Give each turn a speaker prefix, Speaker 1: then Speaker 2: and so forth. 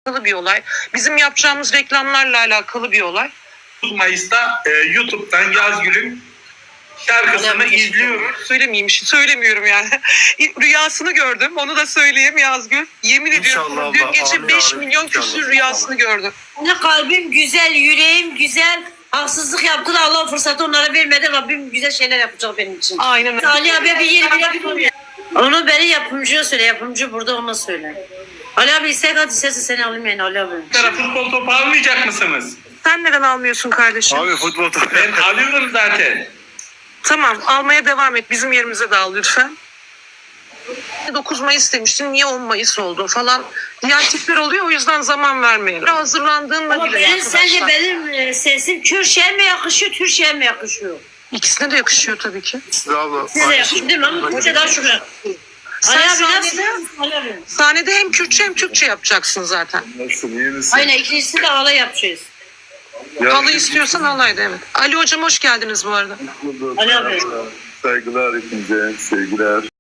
Speaker 1: bir olay. Bizim yapacağımız reklamlarla alakalı bir olay.
Speaker 2: 9 Mayıs'ta YouTube'dan Yazgül'ün şarkısını izliyoruz.
Speaker 1: Söylemiyorum yani. Rüyasını gördüm. Onu da söyleyeyim Yazgül. Yemin ediyorum
Speaker 3: İnşallah
Speaker 1: dün
Speaker 3: Allah,
Speaker 1: gece
Speaker 3: amin
Speaker 1: 5
Speaker 3: abi,
Speaker 1: milyon
Speaker 3: inşallah.
Speaker 1: küsür rüyasını gördüm.
Speaker 4: Ne kalbim güzel, yüreğim güzel. Haksızlık yaptı da Allah fırsatı onlara vermedi. Rabbim güzel şeyler yapacak benim için.
Speaker 1: Aynen öyle.
Speaker 4: Ali abi bir yeri bile. Onu beni yapımcıya söyle. Yapımcı burada ona söyle. Ali abi istek hadi sesi seni alayım yani Ali abi.
Speaker 2: Futbol topu almayacak mısınız?
Speaker 1: Sen neden almıyorsun kardeşim?
Speaker 3: Abi futbol topu.
Speaker 2: Ben alıyorum zaten.
Speaker 1: Tamam, almaya devam et. Bizim yerimize de al lütfen. 9 Mayıs demiştin. Niye 10 Mayıs oldu falan diğer tipler oluyor. O yüzden zaman vermeyelim. Hazırlandığında
Speaker 4: Ama
Speaker 1: bile
Speaker 4: benim,
Speaker 1: arkadaşlar.
Speaker 4: sence benim sesim Kürtçe'ye mi yakışıyor, Türkçe'ye mi yakışıyor?
Speaker 1: İkisine de yakışıyor tabii ki.
Speaker 3: Abla.
Speaker 4: Size de yakışıyor değil mi? Ama Kürtçe daha şuraya. Ali abi nasıl? Ali abi.
Speaker 1: Sahnede hem Kürtçe hem Türkçe yapacaksın zaten.
Speaker 3: Nasılsın, iyi misin?
Speaker 4: Aynen ikincisi de ağla yapacağız.
Speaker 1: Halı istiyorsan halaydı evet. Ali hocam hoş geldiniz bu arada.
Speaker 3: Bulduk.
Speaker 4: Ali abi.
Speaker 3: Saygılar hepinize, sevgiler.